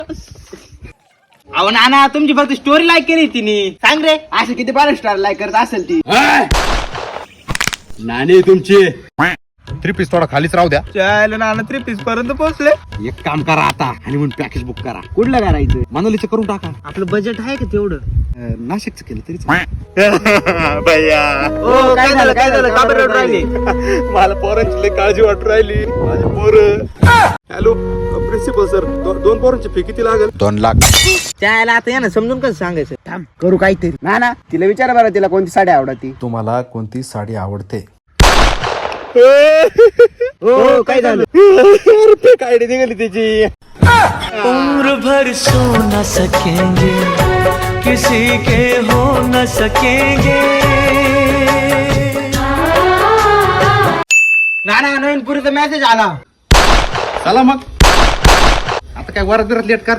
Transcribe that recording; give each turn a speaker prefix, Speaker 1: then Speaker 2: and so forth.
Speaker 1: अहो नाना तुमची फक्त स्टोरी लाईक केली तिने. सांग रे
Speaker 2: असं किती बारा स्टार लाईक करत असेल ती.
Speaker 3: नाणे तुमची 3 पीस थोडा खालीच राहू द्या.
Speaker 1: चायला नाना 3 पीस पर्यंत पोहोचले.
Speaker 3: एक काम करा आता आणि म्हणून पॅकेज बुक करा. कुठलं करायचं? मनालीचं करून टाका.
Speaker 1: आपलं बजेट आहे का तेवढं?
Speaker 3: नाशिकचं केलं तरी
Speaker 1: भैया हो काय झालं का बरं रडू राहिली?
Speaker 3: मला पोरांची लय काळजी वाटू राहिली. माझे पोरं. हॅलो प्रिन्सिपल सर, 2 पोरांची फी किती लागेल? 2 लाख.
Speaker 1: चायला आता या ना समजून कसं सांगायचं.
Speaker 2: थांब करू काहीतरी. ना तिला विचारा बरं तिला कोणती साडी आवडती.
Speaker 4: तुम्हाला कोणती साडी आवडते?
Speaker 2: हो काय झालं?
Speaker 3: काय निघाली त्याची.
Speaker 5: उम्र भर सो न सकेंगे किसी के हो न सकेंगे.
Speaker 1: नाना नवीन पुरीचा मेसेज आला.
Speaker 3: चला मग आता काय वरात लेट कर.